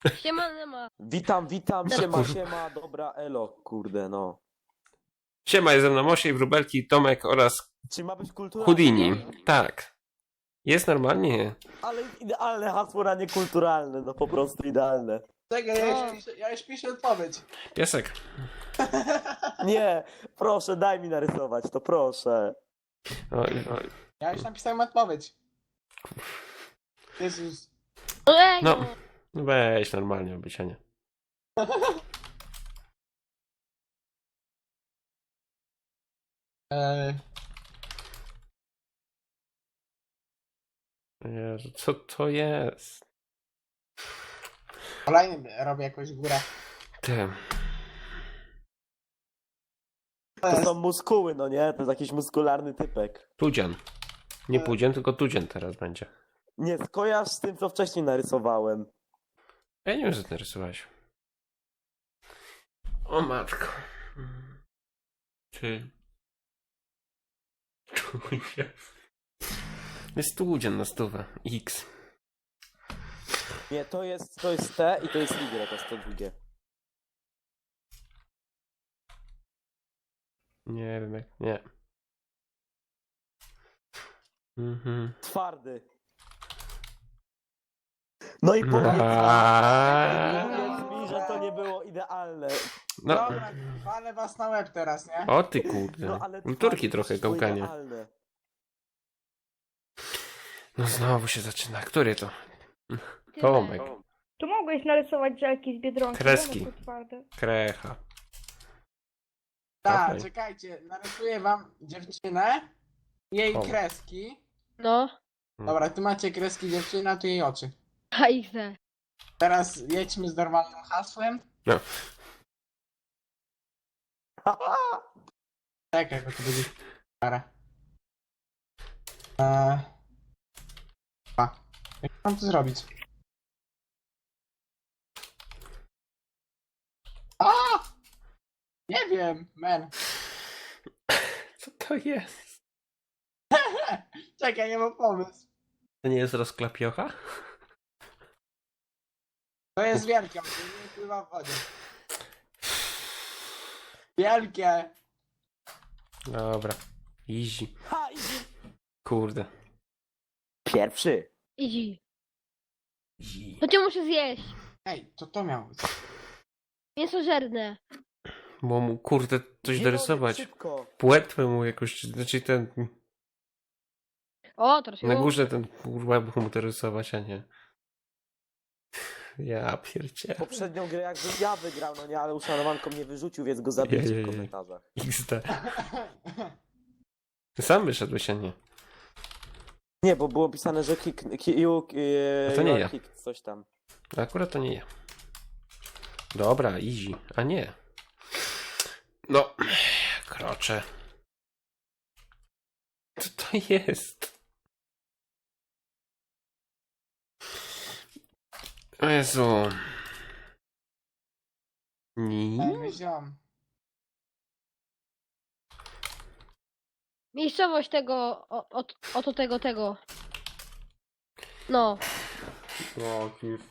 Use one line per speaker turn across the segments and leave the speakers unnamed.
Siema, Nema.
Witam, siema, dobra, elo, kurde, no.
Siema, jest ze mną Osiej, Wróbelki, Tomek oraz
Czy ma być kulturalnie?
Houdini. Tak. Jest normalnie.
Ale idealne hasło na niekulturalne, no po prostu idealne.
Czekaj, ja już piszę odpowiedź.
Piesek.
Nie, proszę, daj mi narysować, to proszę.
Oj, oj.
Ja już napisałem odpowiedź. Jezus.
Ej,
No. Weź normalnie obysianie.
Eee,
Jezu, co to jest?
Kolejny robię jakąś górę.
Ty.
To są muskuły, no nie? To jest jakiś muskularny typek.
Tudzian. Nie Pudzian, tylko Tudzian teraz będzie.
Nie, skojarz z tym, co wcześniej narysowałem.
Ja nie wiem, co ty narysowałeś. O matko. Ty. Tudzian. Jest Tudzian na stówę. X.
Nie, to jest T i to jest Y, to jest to drugie.
Nie wiem jak. Nie.
Twardy. No i powiedz mi, że to nie było idealne.
No.
Dobra, walę was na łeb teraz, nie?
O ty kurde.
No ale
Turki trochę
było
gałganie.
idealne.
No znowu się zaczyna. Który to?
tyle.
Tomek.
Tu mogłeś narysować żelki z Biedronki.
Kreski.
One są twarde.
Krecha.
Tak,
Okej.
czekajcie, narysuję wam dziewczynę, jej
O.
kreski.
No.
Dobra, tu macie kreski dziewczyny, a tu jej oczy.
A ich ze.
Teraz jedźmy z normalnym hasłem.
No.
Czekaj, bo to będzie para. Jak mam to zrobić? A! Nie wiem, man.
Co to jest?
Czekaj, nie mam pomysł.
To nie jest rozklapiocha?
To jest wielkie, on nie pływa w wodzie. Wielkie!
Dobra. Easy.
Ha, idzie.
Kurde.
Pierwszy.
Idzi.
Easy.
To cię muszę zjeść.
Ej, to miało być.
Mięsożerne.
Bo mu kurde coś
Nie
dorysować.
mogę, szybko.
Płetwę mu jakoś, znaczy ten,
O, troszkę.
na górze ten łeb mu dorysować, a nie. Ja pierdzie.
Poprzednią grę jakbym ja wygrał, no nie, ale uszanowanką mnie wyrzucił, więc go zabijcie
Jej.
w komentarzach.
XD. Ty sam wyszedłeś, a nie.
Nie, bo było pisane, że
A to nie ja.
coś tam.
Akurat to nie ja. Dobra, easy. A nie. No, krocze. Co to jest? O Jezu. Ni?
Ej, wziąłem.
Miejscowość tego, oto tego. No.
O,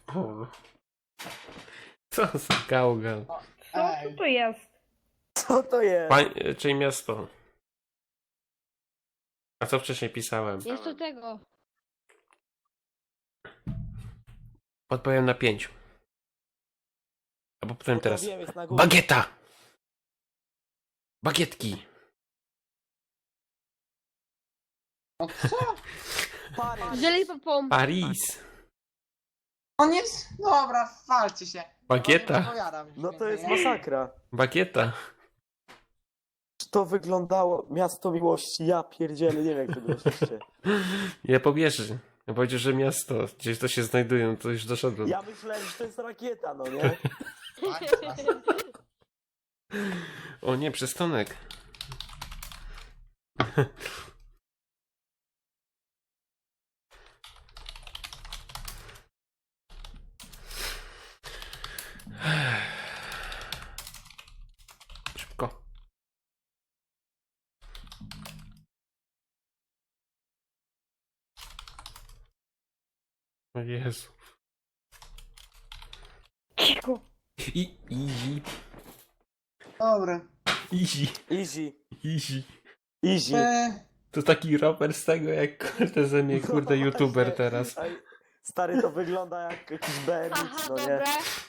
co za gałgan.
Co
Ej,
to jest?
Co to jest?
Czyli miasto. A co wcześniej pisałem?
Jest to tego.
Odpowiem na 5. Albo powiem
No to
teraz.
wiem, jest na górze.
Bagieta! Bagietki!
no co?
Paryż.
Żeli popom.
Paris!
On jest... Dobra, walcie się.
Bagieta!
Nie odpowiadam już
No to jest
więcej, nie?
masakra.
Bagieta!
Czy to wyglądało miasto miłości? Ja pierdzielę, nie wiem jak to było szczęście.
Ja pobierzy. Ja powiedział, że miasto, gdzieś to się znajduje, no to już doszedłem.
Ja myślałem, że to jest rakieta, no nie?
O nie, przystanek. Szybko. O Jezu. Easy.
Dobra.
Easy.
Easy.
Easy.
Easy.
To taki raper z tego, jak kurde ze mnie, kurde,
No
youtuber
właśnie.
teraz.
Ej, stary, to wygląda jak jakiś BMX,
Aha,
no nie?
dobra.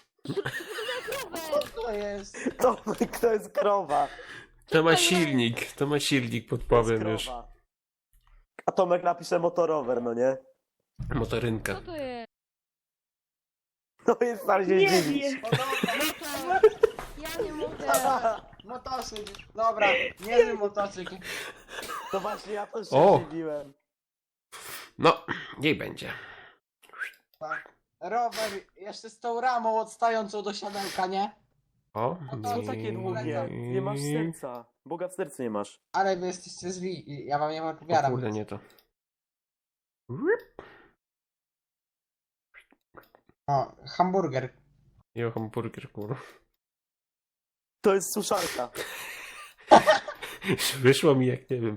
Co
To jest.
To jest krowa.
To ma
to jest?
silnik,
To jest
podpowiem już.
krowa. A Tomek napisze motorower, no nie?
Motorynka.
Co to jest?
No jest stary się
Nie
dziwić.
wiem.
O, dobra.
Ja nie mogę.
Motocykl. Dobra, niezły motocykl.
To właśnie ja też się
O!
dziwiłem.
No, niech będzie.
Tak. Rower jeszcze z tą ramą odstającą do siadełka, nie?
O,
Co takie długie? Nie masz serca. Boga w sercu nie masz.
Ale wy jesteście zwi. Ja wam nie
O
odpowiadam.
kurde, nie to.
O, hamburger.
Jo, hamburger, kurwa.
To jest suszarka.
Wyszło mi jak nie wiem.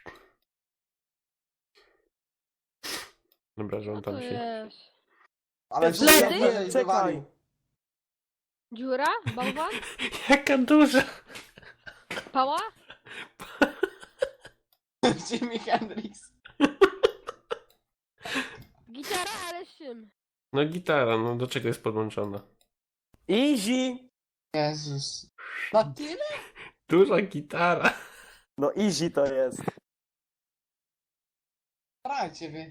Dobra,
Co
żądam
to
się.
jest?
Ale
Jezu,
Ledy?
wszystko
czekaj.
wywalił.
Dziura? Bałwan?
Jaka duża!
Pała?
Jimi Hendrix.
Gitara, ale z czym?
No gitara, no do czego jest podłączona?
Easy.
Jezus. Na tyle?
Duża gitara.
No easy to jest.
Starajcie wy.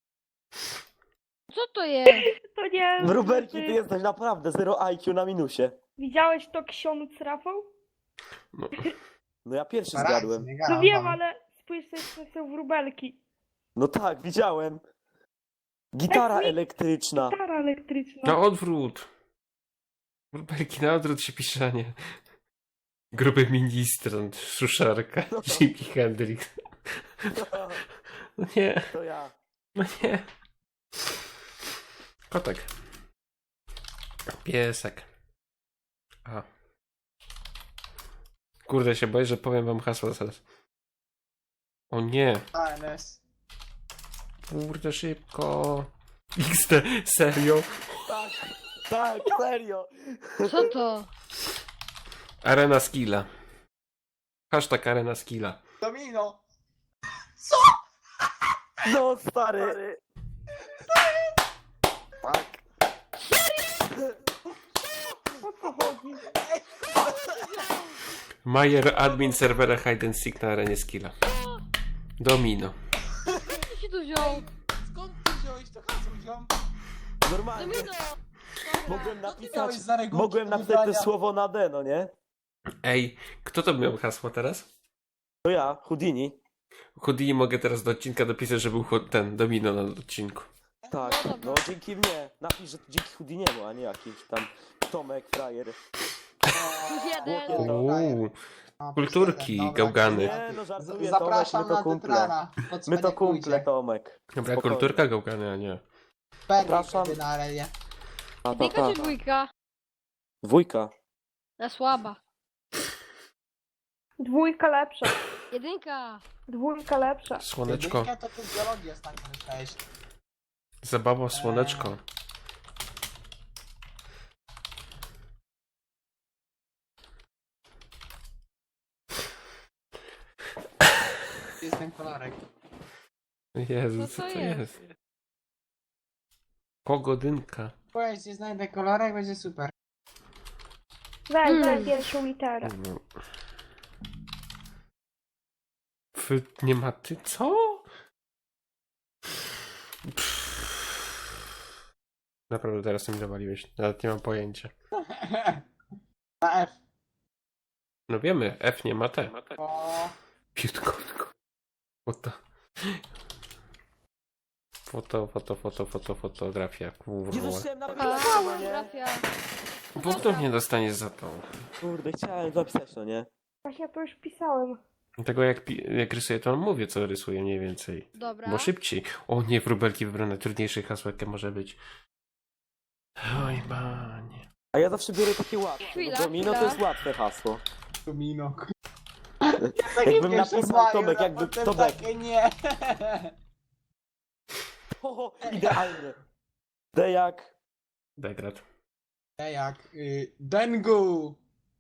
Co to jest?
To nie.
Wróbelki, ty jesteś naprawdę 0 IQ na minusie.
Widziałeś to ksiądz Rafał?
No,
No ja pierwszy
Starajcie,
zgadłem.
nie gadam
No wiem,
wam.
ale spójrz sobie, co są wróbelki.
No tak, widziałem. Gitara
Tak mi-
elektryczna.
Gitara elektryczna.
na odwrót. Rubelki na odwrót się pisze, a nie. Gruby ministrant, suszarka,
No.
Jimi Hendrix. No nie,
To ja.
no nie. Kotek. Piesek. A. Kurde, się boję, że powiem wam hasło zaraz. O nie.
ANS.
Kurde, szybko. XD, serio?
Tak, tak, serio.
Co to?
Arena Skilla. Hashtag Arena Skilla.
Domino.
No stary. Tak.
O co chodzi?
Majer admin serwera Hide and Seek na arenie Skilla. Domino.
Kto się tu wziął?
Skąd ty wziąłeś to hasło, ziom?
Normalnie.
Domino!
Mogłem
Co ty
napisać,
miałeś za regułki
mogłem
do
napisać to
wybrania?
słowo na D, no nie?
Ej, kto to miał hasło teraz?
To ja, Houdini.
Houdini mogę teraz do odcinka dopisać, że był ten Domino na odcinku.
Tak,
No dobra.
no dzięki mnie. Napisz, że to dzięki Houdiniemu, a nie jakiś tam Tomek, frajer.
Plus jeden.
Uuu,
O,
kulturki,
dobra,
gałgany.
Nie, no żartuję,
Zapraszam
Tomek, my
na
to kumple.
Tetrana.
My to kumple, Tomek.
Dobra,
Spokojnie.
kulturka gałgany, a nie.
Zapraszam.
Zapraszam. Na arenie.
Jedynka czy dwójka?
Dwójka.
Na słaba.
Dwójka lepsza.
Jedynka.
Dwójka lepsza.
Słoneczko.
Jedynka to tu biologię ostatnio myślałeś.
Zabawa, słoneczko.
Jest ten kolorek.
Jezu,
Co
co
to
to
jest?
jest? Pogodynka.
Powiedz, nie znajdę kolorek, będzie super.
Weź pierwszą literę.
No. Nie ma ty, co? Naprawdę teraz mi zawaliłeś. Nawet nie mam pojęcia.
Na F.
No wiemy, F nie ma T.
O,
Piutkotko. Fotografia, kurwa.
Jezus, chciałem
A,
napisać, no nie?
trafia.
Punktów nie dostaniesz za to.
Kurde, chciałem zapisać, no nie?
Właśnie to już pisałem.
Tego jak rysuję, to mówię, co rysuję mniej więcej.
Dobra.
Bo szybciej. O nie, wróbelki wybrane. Trudniejsze hasło, jakie może być. Oj, panie.
A ja zawsze biorę takie łatwe.
Chwila,
No domino to
chwila.
jest łatwe hasło.
domino.
Jakbym napisał Tomek, jakby Tomek.
Takie nie.
O, idealnie. D jak?
Degrat.
Jak Dengu.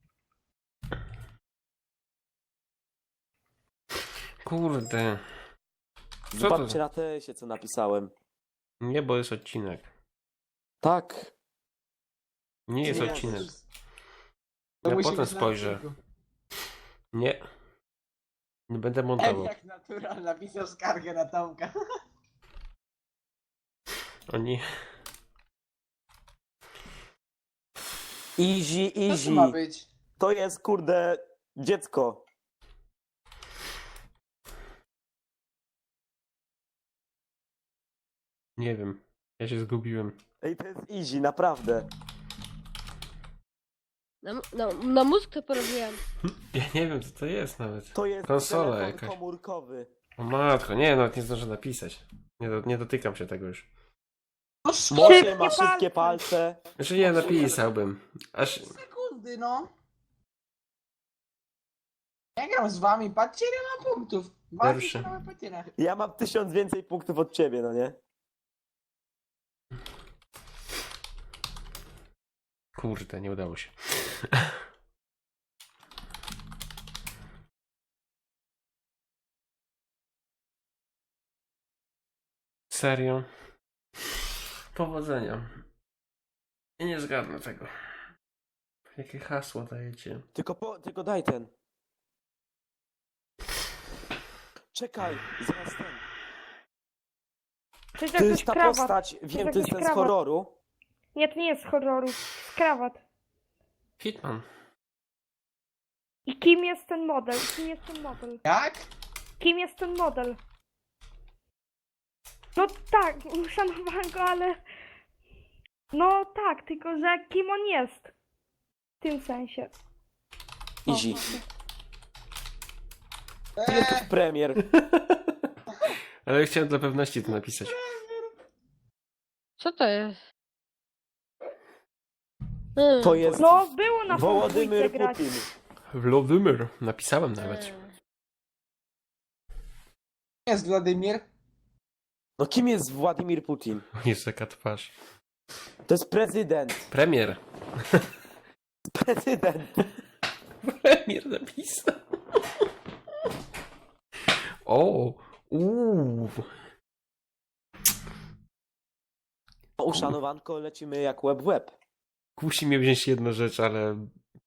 Kurde. Co to?
Zobaczcie na tesie, co napisałem.
Nie, bo jest odcinek.
Tak.
Nie jest
Nie,
odcinek.
To
Ja
musi
potem
być na
spojrzę.
odcinku.
Nie. Nie będę montował.
Jak natural napisał skargę na Tomka.
Oni...
Easy,
Co to
easy.
ma być?
To jest, kurde, dziecko.
Nie wiem. Ja się zgubiłem.
Ej, to jest easy, naprawdę.
Na mózg to porobiłem.
Ja nie wiem, co to jest nawet.
To jest
Konsola
telefon
jakaś.
komórkowy.
O matko, nie, nawet nie zdążę napisać. Nie dotykam się tego już.
No
Może ma
Szybkie
szybkie palce.
Znaczy nie napisałbym. Aż...
sekundy, no. Ja gram z wami, patrzcie ile ma punktów.
Pierwszy.
Mamy patynach.
Ja mam 1000 więcej punktów od ciebie, no nie?
Kurde, nie udało się. Serio? Powodzenia. Ja nie zgadnę tego. Jakie hasło dajecie?
Tylko daj ten. Czekaj, zaraz ten.
To jest
To
jakiś
jest ta
krawat.
postać, wiem, to jest ten z
krawat.
horroru.
Nie, to nie jest z horroru. Z krawat.
Hitman.
I kim jest ten model? Kim jest ten model?
Jak?
Kim jest ten model? No tak, uszanowałam go, ale... No tak, tylko że kim on jest? W tym sensie. O,
Easy.
właśnie.
Ile to jest premier?
Ale chciałem dla pewności to napisać.
Co to jest?
To jest
No, było na
Wołodymyr
dwójce grać.
Putin.
Wladimir. Napisałem nawet.
Jest Władimir.
No kim jest Władimir Putin?
Jest taka twarz.
To jest prezydent.
Premier.
Prezydent.
Premier napisał. O! Uuu.
Uszanowanko, lecimy jak łeb w łeb.
Kusi mnie wziąć jedna rzecz, ale...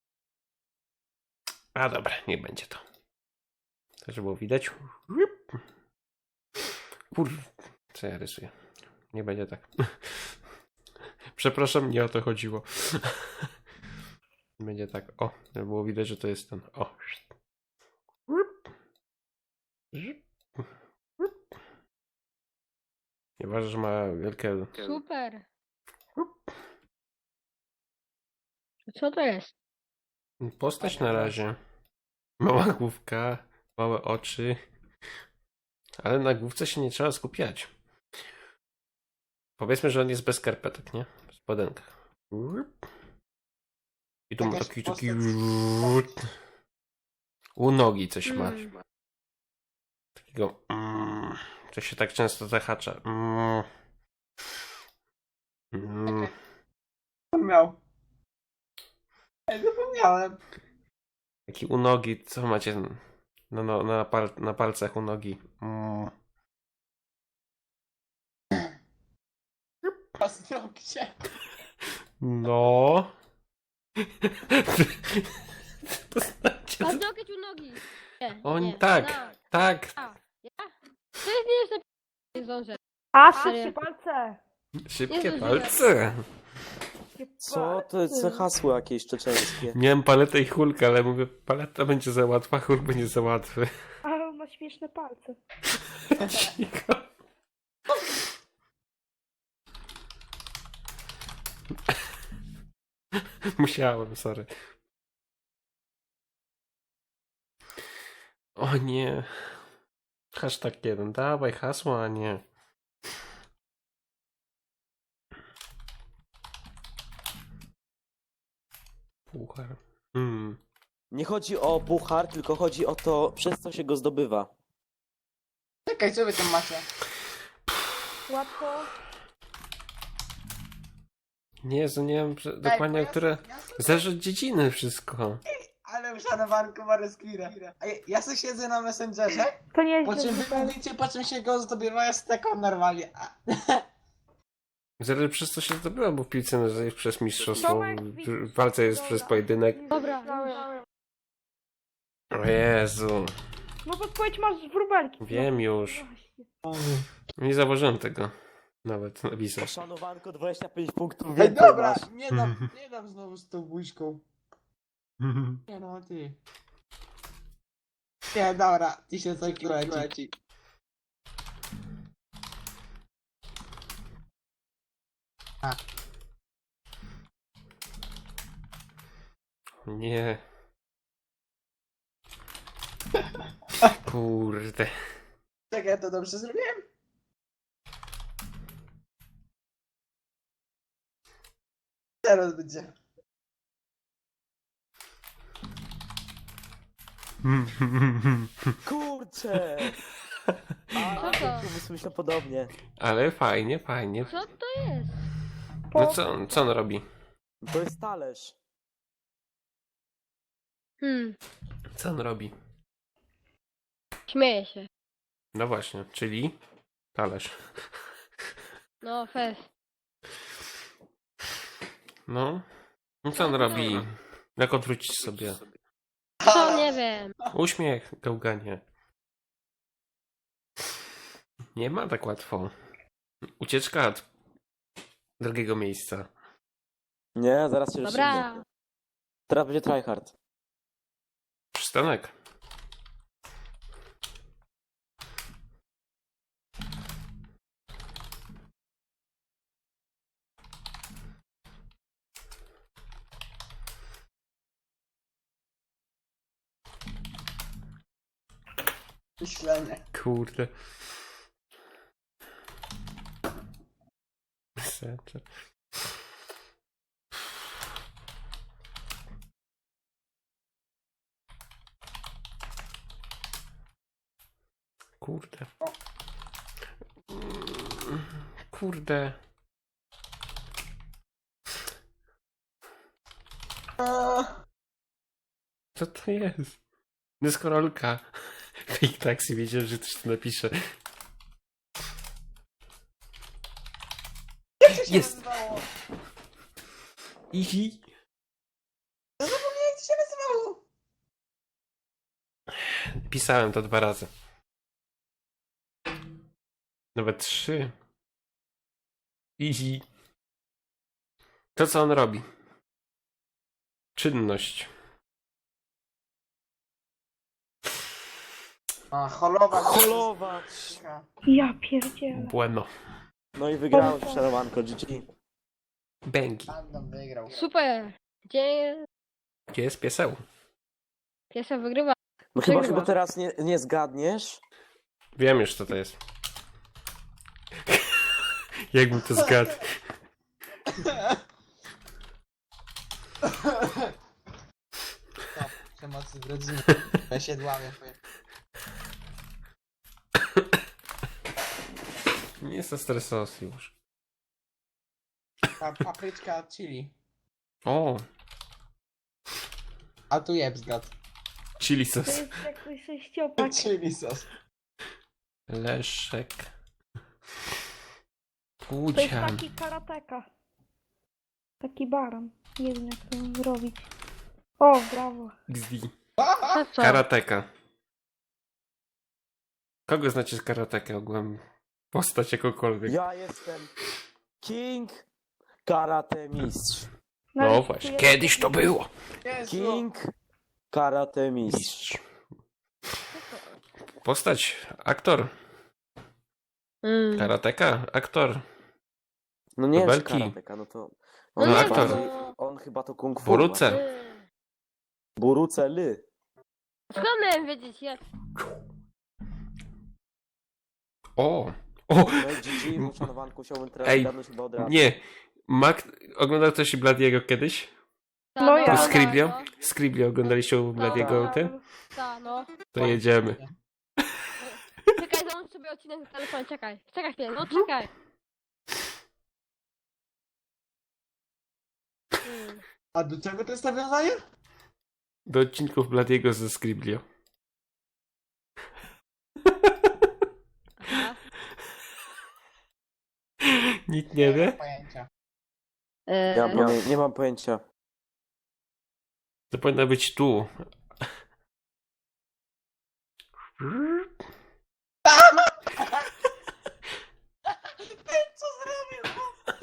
A dobra, nie będzie to. To żeby było widać. Co ja rysuję? Nie będzie tak. Przepraszam, nie o to chodziło. Będzie tak, o, żeby było widać, że to jest ten, o. Nieważne, że ma wielkie...
Super. Co to jest?
Postać na razie. Mała główka, małe oczy. Ale na główce się nie trzeba skupiać. Powiedzmy, że on jest bez skarpetek, nie? W spodenkach. I tu ma
Jakaś
taki...
postać.
U nogi coś ma.
Mm.
Takiego... Co się tak często zahacza.
Co miał? Zapomniałem.
Taki u nogi, co macie na palcach u nogi?
Paznokcie.
No. To znaczy,
A nogi u nogi. Nie,
on
nie.
tak,
No.
tak.
A, ja? To jest nie jest napisane. Nie zdążę.
A,
Serio?
szybkie palce.
Szybkie
Jezu,
palce.
Szybkie
Co? To jest
palce.
hasło jakieś czeczeńskie.
Miałem paletę i hulkę, ale mówię, paleta będzie za łatwa, hulk będzie za łatwy.
Ale on ma śmieszne palce.
Cicho. Musiałem, sorry. O nie. Hashtag 1. Dawaj hasło, a nie. Puchar.
Nie chodzi o puchar, tylko chodzi o to, przez co się go zdobywa.
Czekaj, co wy tam macie?
Łatwo.
Jezu, nie wiem dokładnie, o które... Zależy od dziedziny wszystko.
Ale uszanowanko ma respira. A ja sobie siedzę na Messengerze,
To nie
po
jest
czym wy
zupełnie.
mówicie, po czym się go zdobywa, ja stekam normalnie.
Zależy przez co się zdobyło, bo w piłce nożnej jest przez mistrzostwo,
Tomek,
w walce jest przez pojedynek.
Dobra.
O Jezu,
No podpowiedź masz wróbelki.
wiem już. Nie zauważyłem tego. Nawet napisać.
Szanowanko 25 punktów
Ej,
więcej
dobra,
masz.
nie dam znowu z tą buźką. Nie no, ty. Nie, dobra, 1000 IQ leci.
Nie. Kurde.
Czekaj, ja to dobrze zrobiłem? Teraz będzie.
Kurczę! A,
Co to?
myślę podobnie.
Ale fajnie, fajnie.
Co to jest?
No co on robi?
To jest talerz.
Co on robi?
Śmieję się.
No właśnie, czyli talerz.
No, fest.
No. No co on robi? Jak odwrócić sobie?
Co, nie wiem.
Uśmiech, gałganie. Nie ma tak łatwo. Ucieczka od drugiego miejsca.
Nie, zaraz się
Dobra.
rozstrzygnie. Teraz będzie tryhard.
Przystanek.
Myślenie.
Kurde. Serce. Kurde. Kurde. Co to jest? Deskorolka. Fake taxi, wiedziałem, że ktoś to napisze. Jest!
Nazywało?
Ihi.
Ja zapomniałem, jak to się nazywało.
Pisałem to 2 razy. Nawet 3. Easy. To co on robi? Czynność.
A, holować.
Holować!
Ja pierdzielę.
Bueno.
No i wygrałeś szanowanko, GG.
Bęgi.
Random wygrał.
Super. Gdzie
Gdzie jest pieseł?
piesa wygrywa?
No chyba
Wygrywa.
teraz nie zgadniesz.
Wiem już co to jest. Jakbym to zgadł.
Przemocy w rodzinie. Ja się dławię.
Nie jest to stresos już.
Papryczka chili.
O,
A tu jeb zgad.
chili
To
sos.
jest jakiś sześciopak.
Chili sos.
Leszek.
To jest
Pudzian.
taki karateka. Taki baran. Nie wiem jak to zrobić. O, brawo.
XD.
To co?
Karateka. Kogo znacie z karatekę ogółem? Postać jakokolwiek.
Ja jestem King Karate Mistrz.
No
Nawet
właśnie,
tu
kiedyś to było.
Jezu.
King Karate Mistrz.
Mistrz. Postać, aktor. Karateka, aktor.
No nie wiem, czy
Belki.
karateka, no to...
No
On,
nie,
chyba,
to-
on chyba to kung fu.
Boruce.
ma. Boruce Ly.
Skąd miałem wiedzieć jak?
O! O!
No i GG, bo szanowanku chciałbym teraz
Ej,
zgadnąć chyba od razu.
Nie. Oglądał ktoś Bladiego kiedyś?
No ja.
Scriblio?
No,
Scriblio oglądaliście u Bladiego
Tak.
ten?
no.
To jedziemy.
Czekaj, załącz sobie odcinek na telefonie, czekaj. Czekaj chwilę, no czekaj.
A do czego to jest nawiązanie?
Do odcinków Bladiego ze Scriblio.
Aha.
Nikt nie
mam
wie?
pojęcia.
Nie mam pojęcia.
To powinno być tu.
Ten co zrobił?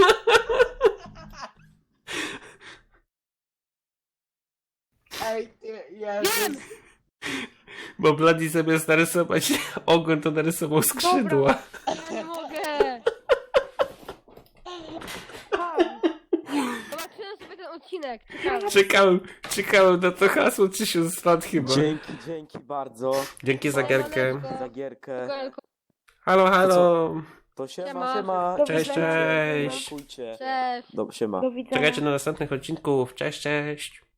Ej, ty, Jezus.
Bo Bladi zamiast narysować ogon, to narysował skrzydła.
Ja nie mogę. Zobaczyłem sobie ten odcinek. Ciekawe.
Czekałem na to hasło 1000 lat chyba.
Dzięki bardzo
Dzięki za gierkę.
za gierkę.
Halo, halo.
To siema,
Siema.
siema.
Do
Cześć,
widzenia.
cześć.
Dziękujcie.
Cześć.
Siema.
Do widzenia.
Czekajcie na następnych odcinków. Cześć, cześć.